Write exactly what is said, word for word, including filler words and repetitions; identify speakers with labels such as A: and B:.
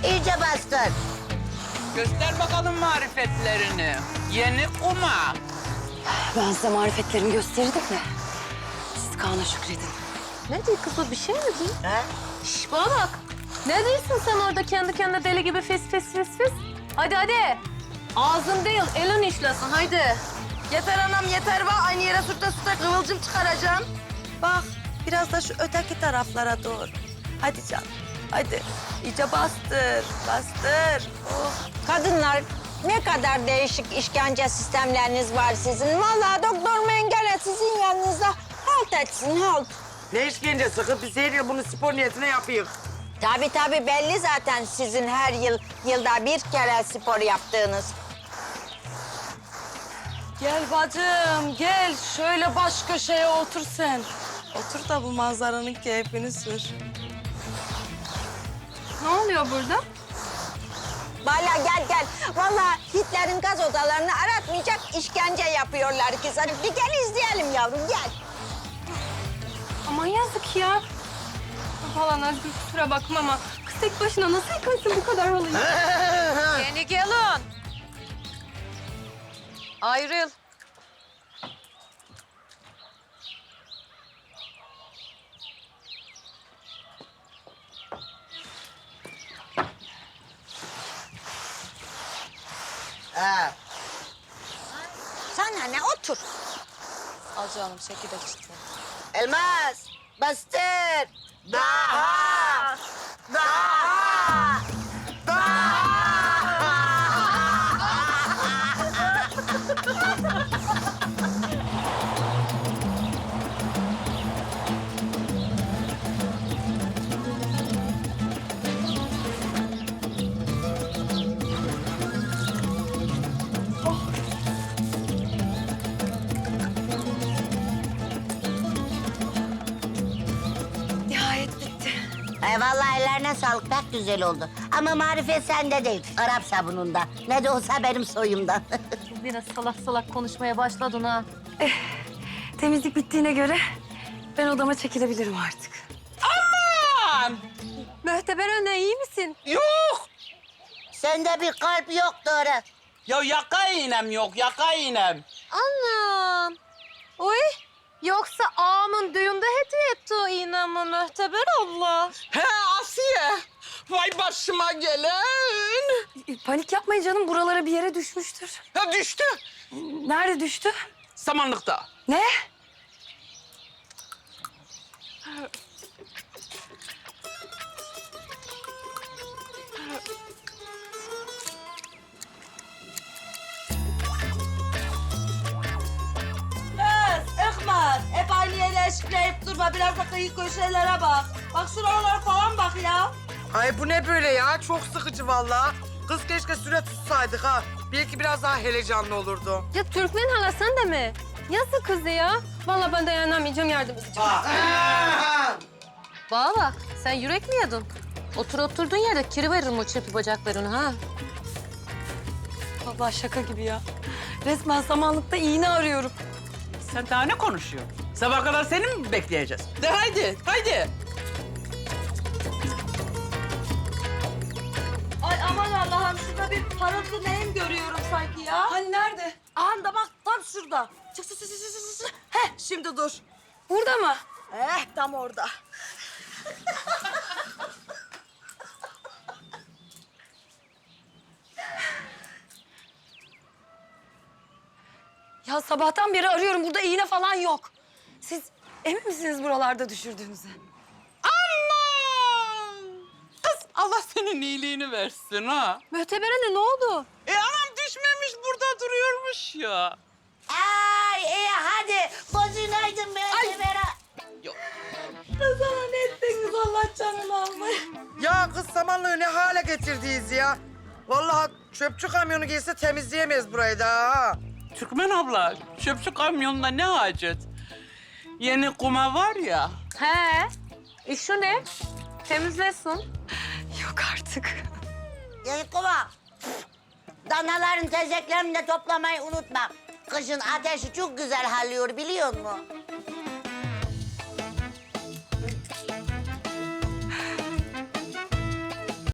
A: İyice bastır.
B: Göster bakalım marifetlerini. Yeni kuma.
C: Ben size marifetlerimi gösterirdim de siz Kaan'a şükredin.
D: Ne diyor kız o, bir şey mi diyor?
A: Ha?
D: Şş, bana bak. Ne diyorsun sen orada kendi kendine deli gibi fis fis fis fis? Hadi hadi. Ağzın değil, elin işlesin haydi.
E: Yeter anam yeter va. Aynı yere sürte sürte kıvılcım çıkaracağım. Bak biraz da şu öteki taraflara doğru. Hadi canım hadi. İyice bastır bastır. Oh.
A: Kadınlar ne kadar değişik işkence sistemleriniz var sizin. Vallahi doktor Mengele sizin yanınızda halt etsin halt.
F: Ne işkencesi kız? Biz her yıl bunu spor niyetine yapıyoruz.
A: Tabii tabii belli zaten sizin her yıl yılda bir kere spor yaptığınız.
E: Gel bacım gel. Şöyle baş köşeye otur sen. Otur da bu manzaranın keyfini sür.
D: Ne oluyor burada?
A: Vallahi gel gel. Vallahi Hitler'in gaz odalarını aratmayacak işkence yapıyorlar ki sana. Bir gel izleyelim yavrum gel.
D: Aman yazık ya. Falan Özgür kusura bakma ama kız tek başına nasıl yıkarsın bu kadar halıyı?
G: Yeni gelin. Ayrıl.
A: Ha. Sana ne otur.
E: Al canım çekirdek işte.
A: Elmas bastır. Daha. Daha.
E: Nihayet bitti.
A: Ay vallahi ellerine sağlık pek güzel oldu. Ama marifet sende değil, Arap sabununda. Ne de olsa benim soyumdan.
D: Biraz salak salak konuşmaya başladın ha.
C: Temizlik bittiğine göre ben odama çekilebilirim artık.
B: Aman!
D: Möhteber anne iyi misin?
B: Yok!
A: Sende bir kalp yok doğru.
B: Ya yaka iğnem yok, yaka iğnem.
D: Anam. Oy. Yoksa ağamın düğünde hediye etti o iğnemi Möhteber abla.
B: He Asiye! Vay başıma gelen!
C: E, Panik yapmayın canım, buralara bir yere düşmüştür.
B: Ha düştü.
C: Nerede düştü?
B: Samanlıkta.
C: Ne?
E: Kız, Ekmer. Hep aynı yere eşikleyip durma. Biraz da kıyı köşelere bak. Bak şuralara falan bak ya.
F: Ay bu ne böyle ya? Çok sıkıcı vallahi. Kız keşke süre tutsaydık ha. Belki biraz daha heyecanlı olurdu.
D: Ya Türkmen hala sen de mi? Yazık kızı ya. Vallahi ben dayanamayacağım, yardım edeceğim. Bana bak, sen yürek mi yedin? Otur oturduğun yerde kiri veririm o çırpı bacaklarını ha.
C: Vallahi şaka gibi ya. Resmen samanlıkta iğne arıyorum.
B: Sen daha ne konuşuyorsun? Sabah kadar seni mi bekleyeceğiz? De haydi, haydi.
E: Ay aman Allah'ım şurada bir parıltı neyim görüyorum sanki ya.
C: Hani nerede?
E: Anda bak tam şurada. Çık çık çık çık çık, çık. Heh şimdi dur.
C: Burada mı?
E: Eh tam orada.
C: Ya sabahtan beri arıyorum. Burada iğne falan yok. Siz emin misiniz buralarda düşürdüğünüze?
B: Aman! Kız Allah senin iyiliğini versin ha.
D: Möhteber anne ne oldu?
B: E anam düşmemiş burada duruyormuş ya.
A: Ay iyi hadi. Bozunaydın be Severa.
B: Yok.
E: Sana ne ettiniz Allah canını almayın.
F: Ya kız samanlığı ne hale getirdiniz ya? Vallahi çöpçü kamyonu gelse temizleyemeyiz burayı da ha.
B: Türkmen abla, çöpçü kamyonuna ne hacet? Yeni kuma var ya.
D: He. E şu ne? Temizlesin.
C: Yok artık.
A: Yani kova. Danaların tezeklerini de toplamayı unutma. Kışın ateşi çok güzel halliyor biliyor musun?